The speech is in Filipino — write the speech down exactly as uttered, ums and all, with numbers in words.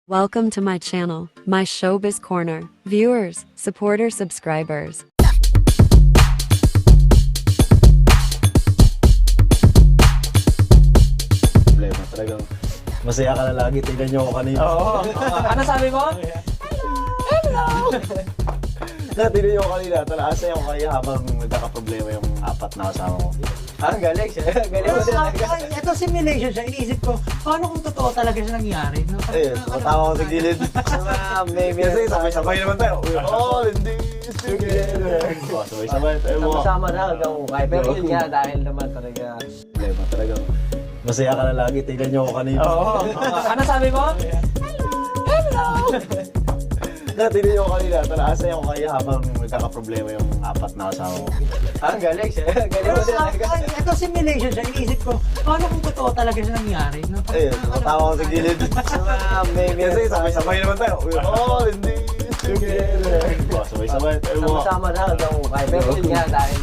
Welcome to my channel, my Showbiz Corner. Viewers, supporters, subscribers. Problema talagang masaya ka na lagi. Tignan niyo ako kanina. Oo. Ano sabi mo? Hello! Na, tignan niyo ako kanina. Talaasay ako kaya habang nagkakaproblema yung apat na kasama ko. Ah, galing siya. Galing Pero mo sa talaga. akin, ito simulation siya. Iniisip ko, paano kung totoo talaga siya nangyari? No? Ayun, matawa ko sa gilid. Ah, maybe. Kasi sabay-sabay naman tayo. We're all in this together. Oh, sabay-sabay tayo mo. Sama-sama na hanggang ukay. Pero yun nga, dahil naman talaga. Problema talagang masaya ka na lagi. Tignan niyo ako kanina. Oo. Ano sabi mo? Hello! Na, tignan niyo ako kanina. Talaasay ako kaya habang nagkakaproblema yung apat na kasama ko. Ah, galing siya. Galing Pero mo sa talaga. akin, ito simulation siya. Iniisip ko, paano kung totoo talaga siya nangyari? No? Ayun, matawa ko sa gilid. Ah, maybe. Kasi sabay-sabay naman tayo. We're all in this together. Oh, sabay-sabay tayo mo. Sama-sama na hanggang ukay. Pero yun nga, dahil